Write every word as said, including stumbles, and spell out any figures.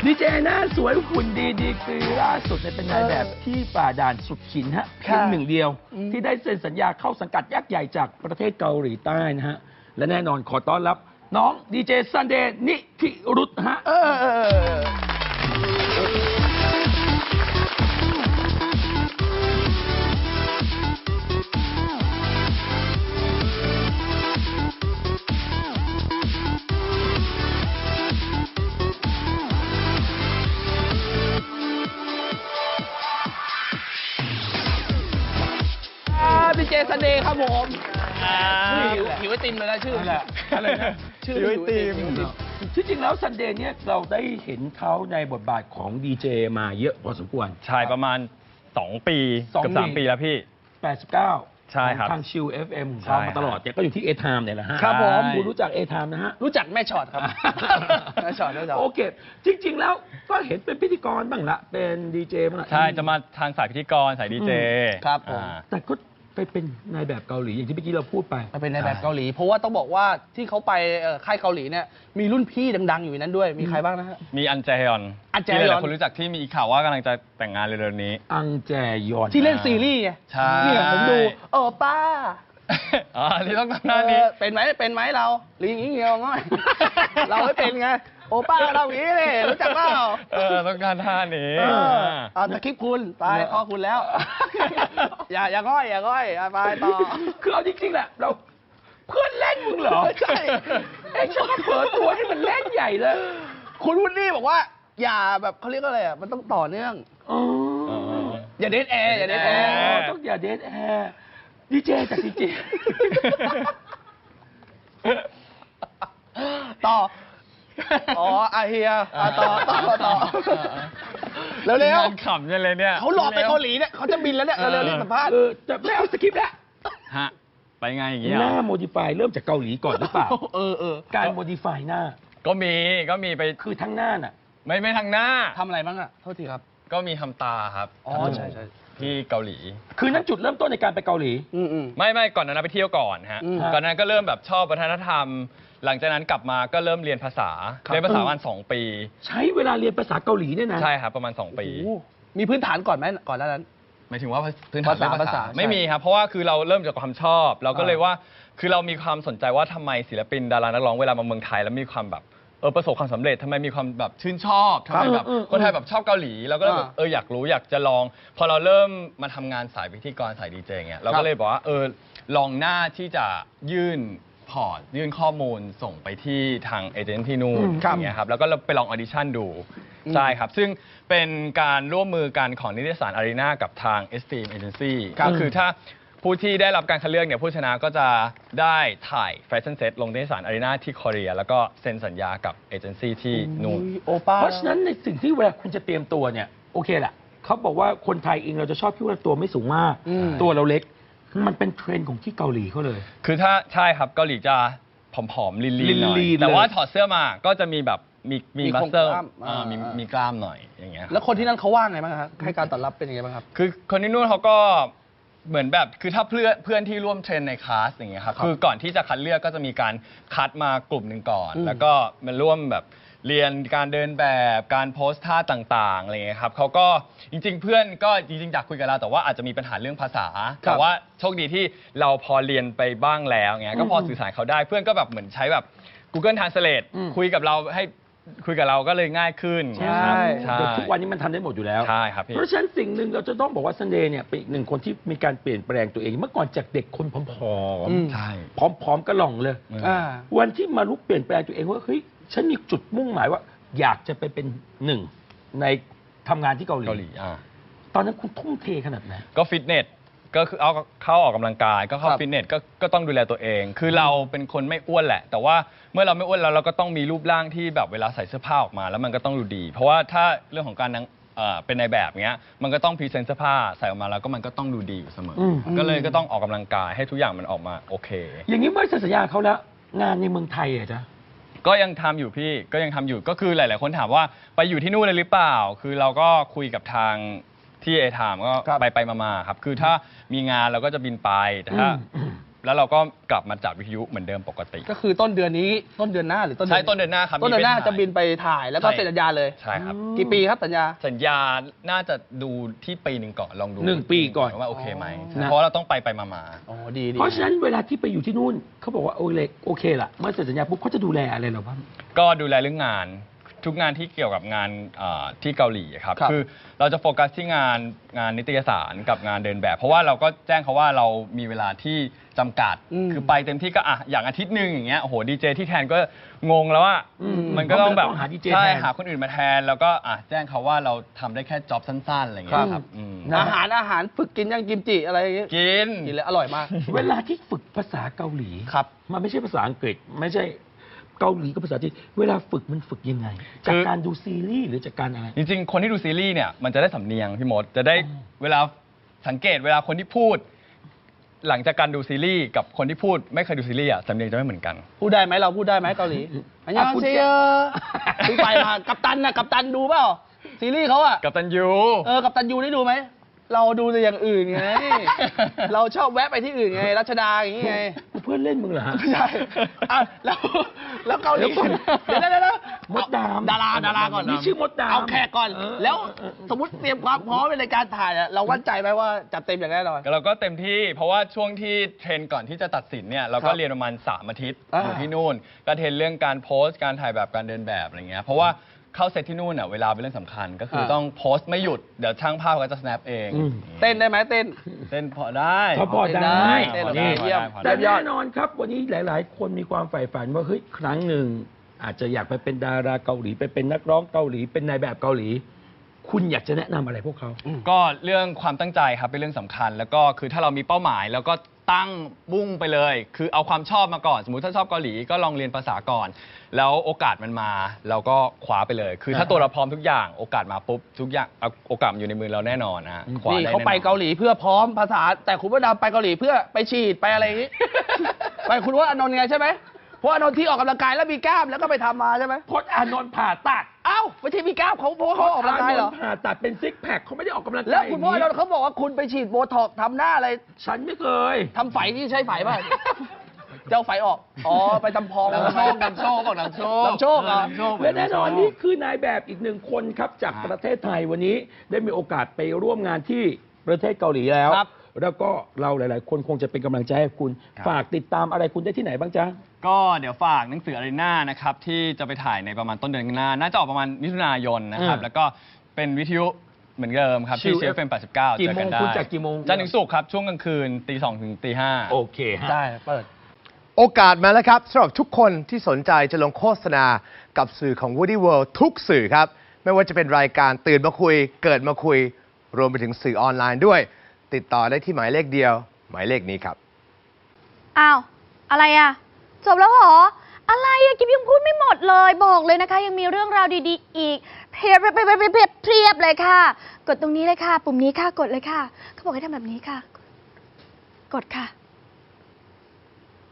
ดีเจหน้าสวยหุ่นดีดีกรีล่าสุดเนี่ยเป็นนายแบบที่ฝ่าด่านสุดขินฮะเพียงหนึ่งเดียวที่ได้เซ็นสัญญาเข้าสังกัดยักษ์ใหญ่จากประเทศเกาหลีใต้นะฮะและแน่นอนขอต้อนรับน้องดีเจซันเดย์นิธิรุตฮะดีเจซันเดย์ครับผมหิวหิวไอติมเลยนะชื่อแหละอะไรนะชื่อหิวไอติมที่จริงแล้วซันเดย์เนี่ยเราได้เห็นเขาในบทบาทของดีเจมาเยอะพอสมควรใช่ประมาณสองปีเกือบสามปีแล้วพี่แปดสิบเก้าใช่ครับทางชิล เอฟ เอ็ม ของเขามาตลอดเนี่ยก็อยู่ที่เอทามเนี่ยแหละฮะครับผมคุณรู้จักเอทามนะฮะรู้จักแม่ช็อตครับแม่ช็อตแม่ช็อตโอเคจริงๆแล้วก็เห็นเป็นพิธีกรบ้างละเป็นดีเจบ้างละใช่จะมาทางสายพิธีกรสายดีเจครับผมแต่ก็ไปเป็นนายแบบเกาหลีอย่างที่เมื่อกี้เราพูดไปไปเป็นนายแบบเกาหลีเพราะว่าต้องบอกว่าที่เขาไปค่ายเกาหลีเนี่ยมีรุ่นพี่ดังๆอยู่ในนั้นด้วยมีใครบ้างนะฮะมีอันแจฮยอนอันแจฮยออนนคนรู้จักที่มีข่าวว่ากำลังจะแต่งงานเร็วๆนี้อังแจยอนที่เล่นซีรีส์ไงใช่เนี่ยผมดูโอ้ป้าอ๋อที่ต้องทำหน้านี้เป็นไหมเป็นไหมเราหรืออย่างนี้เงี้ยง่อยเราไม่เป็นไงโอป้าเราอย่างนี้เลยรู้จักเปล่าเออต้องการท่านี้เอาตะคลิปคุณไปพอคุณแล้วอย่าอย่าง่อยอย่าง่อยไปต่อคือเอาจริงๆแหละเราเพื่อนเล่นมึงเหรอใช่ไอ้ชอบเปิดตัวให้มันเล่นใหญ่เลยคุณวุฒิบอกว่าอย่าแบบเขาเรียกอะไรอ่ะมันต้องต่อเนื่องอย่าเดทแอร์อย่าเดทแอร์ต้องอย่าเดทแอร์ดีเจจากดีเจต่ออ๋ออาเฮียต่อต่อต่อเร็วเร็วขำยังเลยเนี่ยเขาหลอกไปเกาหลีเนี่ยเขาจะบินแล้วเนี่ยเร็วๆรีบสัมภาษณ์จะไม่เอาสคริปต์แล้วฮะไปไงอย่างเงี้ยหน้าโมดิฟายเริ่มจากเกาหลีก่อนหรือเปล่าเออเออการโมดิฟายหน้าก็มีก็มีไปคือทั้งหน้าน่ะไม่ไม่ทั้งหน้าทำอะไรบ้างอ่ะโทษทีครับก็มีทำตาครับอ๋อใช่ใช่ที่เกาหลีคือนั้นจุดเริ่มต้นในการไปเกาหลีอืมอืมไม่ไม่ก่อนนั้นไปเที่ยวก่อนฮะก่อนนั้นก็เริ่มแบบชอบวัฒนธรรมหลังจากนั้นกลับมาก็เริ่มเรียนภาษาเรียนภาษาประมาณสองปีใช้เวลาเรียนภาษาเกาหลีเนี่ยนะใช่ครับประมาณสองปีมีพื้นฐานก่อนไหมก่อนนั้นหมายถึงว่าพื้นฐานภาษาไม่มีครับเพราะว่าคือเราเริ่มจากความชอบเราก็เลยว่าคือเรามีความสนใจว่าทำไมศิลปินดารานักร้องเวลามาเมืองไทยแล้วมีความแบบเออประสบความสำเร็จทำไมมีความแบบชื่นชอบทำไมแบบคนไทยแบบชอบเกาหลีเราก็เลยแบบเอออยากรู้อยากจะลองพอเราเริ่มมาทำงานสายพิธีกรสายดีเจเงี้ยเราก็เลยบอกว่าเออลองหน้าที่จะยื่นพอร์ตยื่นข้อมูลส่งไปที่ทางเอเจนต์ที่นู่นอย่างเงี้ยครับแล้วก็ไปลองออดิชั่นดูใช่ครับซึ่งเป็นการร่วมมือกันของนิตยสารอารีนากับทาง Esteem Agency ก็คือถ้าผู้ที่ได้รับการคัดเลือกเนี่ยผู้ชนะก็จะได้ถ่ายแฟชั่นเซ็ตลงนิตยสารอารีนาที่เกาหลีแล้วก็เซ็นสัญญากับเอเจนซี่ที่นู่นเพราะฉะนั้นในสิ่งที่เวลาคุณจะเตรียมตัวเนี่ยโอเคแหละเขาบอกว่าคนไทยเองเราจะชอบคิดว่าตัวไม่สูงมากตัวเราเล็กมันเป็นเทรนด์ของที่เกาหลีเขาเลยคือถ้าใช่ครับเกาหลีจะผอมๆลีนๆหน่อยแต่ว่าถอดเสื้อมาก็จะมีแบบมีมีมัสเซลมีมีกล้ามหน่อยอย่างเงี้ยแล้วคนที่นั่นเขาว่าไงบ้างครับให้การตอบรับเป็นยังไงบ้างครับคือคนที่นู่นเขาก็เหมือนแบบคือถ้าเพื่อนเพื่อนที่ร่วมเทรนในคลาสอย่างเงี้ยครับคือก่อนที่จะคัดเลือกก็จะมีการคัดมากลุ่มหนึ่งก่อนแล้วก็มาร่วมแบบเรียนการเดินแบบการโพสท่าต่างๆอะไรเงี้ยครับเขาก็จริงๆเพื่อนก็จริงๆอยากคุยกับเราแต่ว่าอาจจะมีปัญหาเรื่องภาษาแต่ว่าโชคดีที่เราพอเรียนไปบ้างแล้วเงี้ยก็พอสื่อสารเขาได้เพื่อนก็แบบเหมือนใช้แบบ Google Translate คุยกับเราให้คุยกับเราก็เลยง่ายขึ้นใช่ทุกวันนี้มันทำได้หมดอยู่แล้วใช่ครับเพราะฉะนั้นสิ่งหนึ่งเราจะต้องบอกว่าซันเดย์เนี่ยเป็นอีกหนึ่งคนที่มีการเปลี่ยนแปลงตัวเองเมื่อก่อนจากเด็กคนผอมๆใช่ผอมๆกระหล่องเลยวันที่มารู้เปลี่ยนแปลงตัวเองว่าเฮ้ยฉันมีจุดมุ่งหมายว่าอยากจะไปเป็นหนึ่งในทำงานที่เกาหลีตอนนั้นคุณทุ่มเทขนาดไหนก็ฟิตเนสก็คือเอาเข้าออกกำลังกายก็เข้าฟิตเนสก็ก็ต้องดูแลตัวเองคือเราเป็นคนไม่อ้วนแหละแต่ว่าเมื่อเราไม่อ้วนแล้วเราก็ต้องมีรูปร่างที่แบบเวลาใส่เสื้อผ้าออกมาแล้วมันก็ต้องดูดีเพราะว่าถ้าเรื่องของการเป็นในแบบเนี้ยมันก็ต้องพรีเซนต์เสื้อผ้าใส่ออกมาแล้วก็มันก็ต้องดูดีอยู่เสมอก็เลยก็ต้องออกกำลังกายให้ทุกอย่างมันออกมาโอเคอย่างนี้เมื่อสัญญาเขาแล้วงานในเมืองไทยอะจ๊ะก็ยังทำอยู่พี่ก็ยังทำอยู่ก็คือหลายๆคนถามว่าไปอยู่ที่นู่นเลยหรือเปล่าคือเราก็คุยกับทางที่เอทามก็ไปไปมาๆครับคือถ้ามีงานเราก็จะบินไปแต่ถ้าแล้วเราก็กลับมาจัดวิทยุเหมือนเดิมปกติก็คือต้นเดือนนี้ต้นเดือนหน้าหรือต้นใช่ต้นเดือนหน้าครับต้นเดือนหน้ามีไปถ่ายจะบินไปถ่ายแล้วก็ใช่เซ็นสัญญาเลยใช่ครับกี่ปีครับสัญญาสัญญาน่าจะดูที่ปีหนึ่งก่อนลองดูหนึ่งปีก่อนว่าโอเคไหมนะเพราะเราต้องไปไปมามาอ๋อดีดีเพราะฉะนั้นเวลาที่ไปอยู่ที่นู่นเขาบอกว่าโอเคโอเคละเมื่อเซ็นสัญญาปุ๊บเขาจะดูแลอะไรเราบ้างก็ดูแลเรื่องงานทุกงานที่เกี่ยวกับงานเอ่อที่เกาหลีครับครับคือเราจะโฟกัสที่งานงานนิตยสารกับงานเดินแบบ เพราะว่าเราก็แจ้งเขาว่าเรามีเวลาที่จำกัดอืมคือไปเต็มที่ก็อ่ะอย่างอาทิตย์หนึ่งอย่างเงี้ยโอ้โหดีเจที่แทนก็งงแล้วว่าอืมมันก็ต้องแบบต้องหา ดี เจใช่แทนหาคนอื่นมาแทน แล้วก็อ่ะแจ้งเขาว่าเราทำได้แค่จ็อบสั้นๆอะไรเงี้ยครับอืมอาหารอาหารฝึกกินยังกิมจิอะไรอย่างเงี้ยกินกินแล้วอร่อยมากเวลาที่ฝึกภาษาเกาหลีครับมันไม่ใช่ภาษาอังกฤษ ไม่ใช่เกาหลีกับภาษาจีนเวลาฝึกมันฝึกยังไง จากการดูซีรีส์หรือจากการอะไรจริงๆ คนที่ดูซีรีส์เนี่ยมันจะได้สำเนียงพี่มดจะได้เวลาสังเกตเวลาคนที่พูด หลังจากการดูซีรีส์กับคนที่พูดไม่เคยดูซีรีส์อ่ะสำเนียงจะไม่เหมือนกันพูดได้ไหมเราพูดได้ไหมเกาหลีอันยองคุณเซโยเพิ่งไปมากัปตันนะกัปตันดูเปล่าซีรีส์เขาอะกับตันยูเออกัปตันยูได้ดูไหมเราดูแต่อย่างอื่นไง เราชอบแวะไปที่อื่นไงรัชดาอย่างงี้ไงเพื่อนเล่นมึงเหรอฮะไม่ใช่อ่ะแล้วแล้วเกาหลีเดี๋ยวก่อนเดี๋ยวเดี๋ยวเดี๋ยวมดดำดาราดาราก่อนนี่ชื่อมดดำเอาแขกก่อนเออแล้วเออเออสมมติเตรียมความพร้อมในการถ่ายอะเราวั่นใจไหมว่าจัดเต็มอย่างแน่นอนเราก็เต็มที่เพราะว่าช่วงที่เทรนก่อนที่จะตัดสินเนี่ยเราคก็รับเรียนประมาณสามอาทิตย์อ่าอยู่ที่นู่นก็เทรนเรื่องการโพสต์การถ่ายแบบการเดินแบบอะไรเงี้ยเพราะว่าเข้าเซตที่นู่นอ่ะเวลาเป็นเรื่องสำคัญ ก็คือต้องโพสต์ไม่หยุดเดี๋ยวช่างภาพก็จะ snap เองอืมเต้นได้ไหมเต้นเต้นพอได้เขาพอได้เต้นได้นี่เยี่ยมพอได้แต่แน่นอนครับ วันนี้หลาย ๆ คนมีความใฝ่ฝันว่าเฮ้ยครั้งหนึ่งอาจจะอยากไปเป็นดาราเกาหลีไปเป็นนักร้องเกาหลี เป็นนายแบบเกาหลี คุณอยากจะแนะนำอะไรพวกเขาก็เรื่องความตั้งใจครับเป็นเรื่องสำคัญ แล้วก็คือถ้าเรามีเป้าหมายแล้วก็ตั้งมุ่งไปเลย คือเอาความชอบมาก่อน สมมุติถ้าชอบเกาหลีก็ลองเรียนภาษาก่อน แล้วโอกาสมันมาเราก็คว้าไปเลย คือถ้าตัวเราพร้อมทุกอย่างโอกาสมาปุ๊บทุกอย่างเอาโอกาสมันอยู่ในมือเราแน่นอนนะฮะคว้านี่ได้เขาแน่นอนไปเกาหลีเพื่อพร้อมภาษา แต่คุณว่าดำไปเกาหลีเพื่อไปฉีดไปอะไรอย่างงี้ ไปคุณว่าอานนท์ไงใช่ไหมเพราะอานนท์ที่ออกกำลังกายแล้วมีกล้ามแล้วก็ไปทำมาใช่ไหมพจน์อานนท์ผ่าตัดเอ้าไม่ใช่มีกล้ามเขาเพราะว่าเขาออกกำลังกายเหรอพจน์นนท์ผ่าตัดเป็นซิกแพคเขาไม่ได้ออกกำลังกายแล้วคุณพ่ออานย่างนท์เขาบอกว่าคุณไปฉีดโบท็อกซ์ทำหน้าอะไรฉันไม่เคยทำไฝที่ใช้ไฝป่ะ เจ้าไฝออก อ๋อ ไปทำพองนำโชคนำโชคบอกนำโชคนำโชคเหรอและแน่นอนนี่คือนายแบบอีกหนึ่งคนครับจากประเทศไทยวันนี้ได้มีโอกาสไปร่วมงานที่ประเทศเกาหลีแล้วครับแล้วก็เราหลาย ๆ คนคงจะเป็นกำลังใจให้คุณครับฝากติดตามอะไรคุณได้ที่ไหนบ้างจ๊ะก็เดี๋ยวฝากหนังสืออารีนานะครับที่จะไปถ่ายในประมาณต้นเดือนหน้า น่าจะออกประมาณมิถุนายนนะครับอืมแล้วก็เป็นวิทยุเหมือนเดิมครับที่ชิลเชฟเฟมแปดสิบเก้ากี่เจอโมกังนได้คุณจัดกี่โมงจันทร์ถึงศุกร์ครับช่วงกลางคืนตีสองถึงตีห้าโอเคฮะได้ เปิดโอกาสมาแล้วครับสำหรับทุกคนที่สนใจจะลงโฆษณากับสื่อของ Woody World ทุกสื่อครับ ไม่ว่าจะเป็นรายการตื่นมาคุย เกิดมาคุย รวมไปถึงสื่อออนไลน์ด้วย ติดต่อได้ที่หมายเลขเดียว หมายเลขนี้ครับอ้าว อะไรอะจบแล้วเหรอ อะไรอะกิฟยังพูดไม่หมดเลยบอกเลยนะคะ ยังมีเรื่องราวดีๆ อีกเพียบเพียบเพียบเพียบเพียบเพียบเลยค่ะ กดตรงนี้เลยค่ะ ปุ่มนี้ค่ะ กดเลยค่ะ เขาบอกให้ทำแบบนี้ค่ะ กดค่ะ